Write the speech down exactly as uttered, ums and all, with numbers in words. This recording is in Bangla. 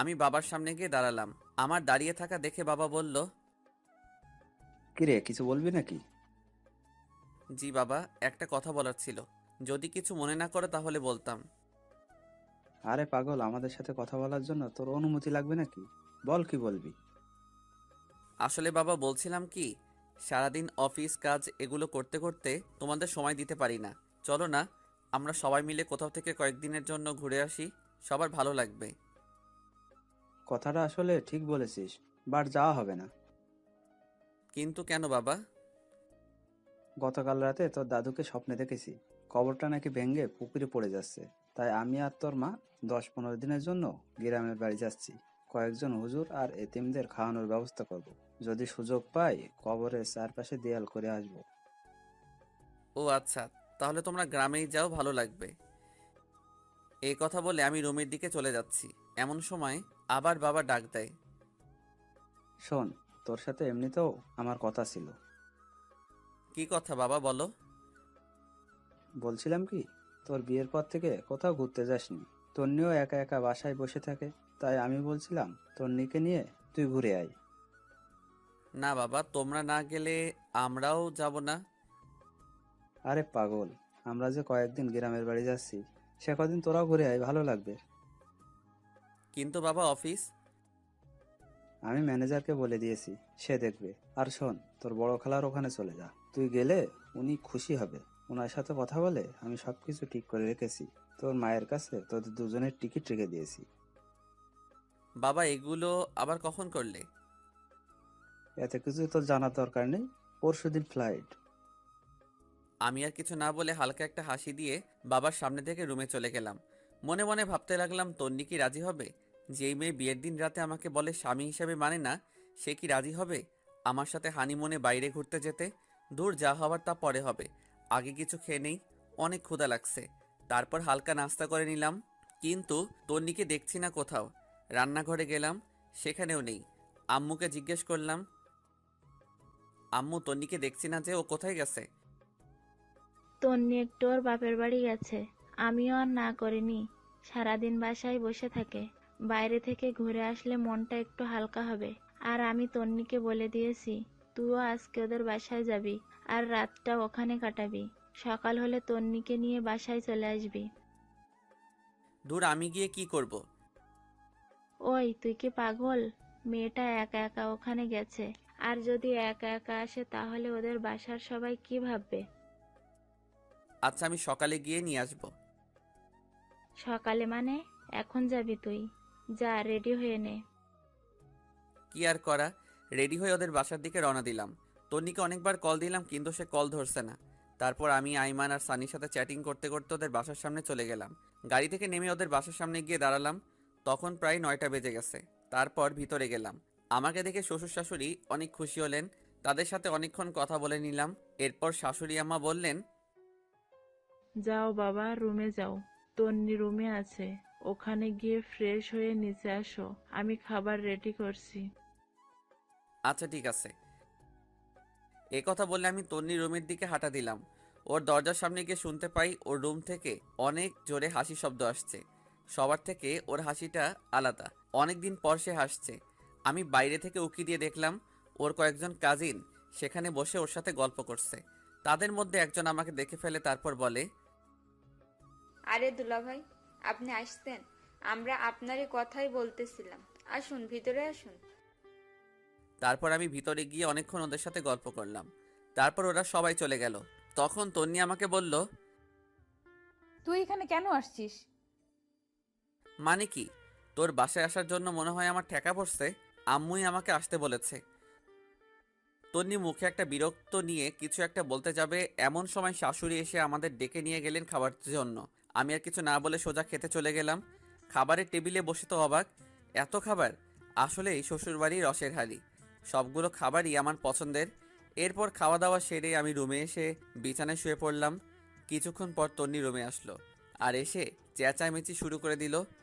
আমি বাবার সামনে গিয়ে দাঁড়ালাম। আমার দাঁড়িয়ে থাকা দেখে বাবা বলল, কিরে, কিছু বলবি নাকি? জি বাবা, একটা কথা বলার ছিল। যদি কিছু মনে না করো তাহলে বলতাম। আরে পাগল, আমাদের সাথে কথা বলার জন্য তোর অনুমতি লাগবে নাকি? বল, কি বলবি? আসলে বাবা বলছিলাম কি, সারাদিন অফিস কাজ এগুলো করতে করতে তোমাদের সময় দিতে পারি না। চলো না, আমরা সবাই মিলে কোথাও থেকে কয়েকদিনের জন্য ঘুরে আসি, সবার ভালো লাগবে। কথাটা আসলে ঠিক বলেছিস, বাট যাওয়া হবে না। কিন্তু কেন বাবা? গতকাল রাতে তোর দাদুকে স্বপ্নে দেখেছি, কবরটা নাকি ভেঙে পুকুরে পড়ে যাচ্ছে। তাই আমি আর তোর মা দশ পনেরো দিনের জন্য গ্রামের বাড়ি যাচ্ছি। কয়েকজন হুজুর আর এতিমদের খাওয়ানোর ব্যবস্থা করব। যদি সুযোগ পাই কবরের চারপাশে দেয়াল করে আসব। ও আচ্ছা, তাহলে তোমরা গ্রামেই যাও, ভালো লাগবে। এই কথা বলে আমি রুমের দিকে চলে যাচ্ছি। এমন সময় আবার বাবা ডাক দেয়। শোন, তোর সাথে এমনিতেও আমার কথা ছিল। কি কথা বাবা, বলো। বলছিলাম কি, তোর বিয়ের পর থেকে কোথাও ঘুরতে যাসনি। তন্নিও একা একা বাসায় বসে থাকে, তাই আমি বলছিলাম তন্নিকে নিয়ে তুই ঘুরে আয়। না বাবা, তোমরা না গেলে আমরাও যাব না। আরে পাগল, আমরা যে কয়েকদিন গ্রামের বাড়ি যাচ্ছি, সে কদিন তোরাও ঘুরে আয়, ভালো লাগবে। কিন্তু বাবা অফিস। আমি ম্যানেজারকে বলে দিয়েছি, সে দেখবে। আর শোন, তোর বড় খালার ওখানে চলে যা, তুই গেলে উনি খুশি হবে। ওনার সাথে কথা বলে আমি সবকিছু ঠিক করে রেখেছি। তোর মায়ের কাছে তোদের দুজনের টিকিট রেখে দিয়েছি। বাবা এগুলো আবার কখন করলে? এতে কিছু তোর জানার দরকার নেই, পরশুদিন ফ্লাইট। আমি আর কিছু না বলে হালকা একটা হাসি দিয়ে বাবার সামনে থেকে রুমে চলে গেলাম। মনে মনে ভাবতে লাগলাম, তন্নি কি রাজি হবে? যেই মেয়ে বিয়ের দিন রাতে আমাকে বলে স্বামী হিসেবে মানে না, সে কি রাজি হবে আমার সাথে হানিমুনে বাইরে ঘুরতে যেতে? দূর, যা হবার তা পরে হবে। আগে কিছু খেয়ে নেই, অনেক ক্ষুধা লাগছে। তারপর হালকা নাস্তা করে নিলাম। কিন্তু তন্নিকে দেখছি না কোথাও। রান্নাঘরে গেলাম, সেখানেও নেই। আম্মুকে জিজ্ঞেস করলাম, আম্মু তন্নিকে দেখছি না যে, ও কোথায় গেছে? তন্নি একটু ওর বাপের বাড়ি গেছে। আমিও আর না করিনি, সারাদিন বাসায় বসে থাকে। বাইরে থেকে ঘুরে আসলে মনটা একটু হালকা হবে। আর আমি তন্নিকে বলে দিয়েছি, তুইও আজকে ওদের বাসায় যাবি আর রাতটা ওখানে কাটাবি। সকাল হলে তন্নিকে নিয়ে বাসায় চলে আসবি। দূর, আমি গিয়ে কি করব? ওই, তুই কি পাগল? মেয়েটা একা একা ওখানে গেছে, আর যদি একা একা আসে তাহলে ওদের বাসার সবাই কি ভাববে? আচ্ছা, আমি সকালে গিয়ে নিয়ে আসবো। সকালে মানে? এখন যাবি তুই? যা, রেডি হয়ে নে। কি আর করা, রেডি হয়ে ওদের বাসার দিকে রওনা দিলাম। তন্নিকে অনেকবার কল দিলাম কিন্তু সে কল ধরছে না। তারপর আমি আইমান আর সানির সাথে চ্যাটিং করতে করতে ওদের বাসার সামনে চলে গেলাম। গাড়ি থেকে নেমে ওদের বাসার সামনে গিয়ে দাঁড়ালাম। তখন প্রায় নয়টা বেজে গেছে। তারপর ভিতরে গেলাম। আমাকে দেখে শ্বশুর শাশুড়ি অনেক খুশি হলেন। তাদের সাথে অনেকক্ষণ কথা বলে নিলাম। এরপর শাশুড়ি আম্মা বললেন, যাও বাবা, রুমে যাও। তন্নি রুমে আছে, ওখানে গিয়ে ফ্রেশ হয়ে নিচে আসো, আমি খাবার রেডি করছি। আচ্ছা ঠিক আছে। এই কথা বললে আমি তন্নির রুমের দিকে হাঁটা দিলাম। ওর দরজার সামনে গিয়ে শুনতে পাই ওর রুম থেকে অনেক জোরে হাসি শব্দ আসছে। সবার থেকে ওর হাসিটা আলাদা। অনেক দিন পর সে হাসছে। আমি বাইরে থেকে উকি দিয়ে দেখলাম ওর কয়েকজন কাজিন সেখানে বসে ওর সাথে গল্প করছে। তাদের মধ্যে একজন আমাকে দেখে ফেলে, তারপর বলে, আরে দুলাভাই, আপনি আসতেন? আমরা আপনারই কথাই বলতেছিলাম। আসুন, ভিতরে আসুন। তারপর আমি ভিতরে গিয়ে অনেকক্ষণ ওদের সাথে গল্প করলাম। তারপর ওরা সবাই চলে গেল। তখন তন্নি আমাকে বলল, তুই এখানে কেন আসছিস? মানে কি? তোর বাসায় আসার জন্য মনে হয় আমার ঠেকা পড়ছে। আম্মুই আমাকে আসতে বলেছে। তন্নি মুখে একটা বিরক্ত নিয়ে কিছু একটা বলতে যাবে, এমন সময় শাশুড়ি এসে আমাদের ডেকে নিয়ে গেলেন খাবার জন্য। আমি আর কিছু না বলে সোজা খেতে চলে গেলাম। খাবারের টেবিলে বসে তো অবাক, এত খাবার! আসলেই শ্বশুরবাড়ির রসের হাড়ি। সবগুলো খাবারই আমার পছন্দের। এরপর খাওয়া দাওয়া সেরে আমি রুমে এসে বিছানায় শুয়ে পড়লাম। কিছুক্ষণ পর তন্নি রুমে আসলো আর এসে চেঁচামেচি শুরু করে দিল।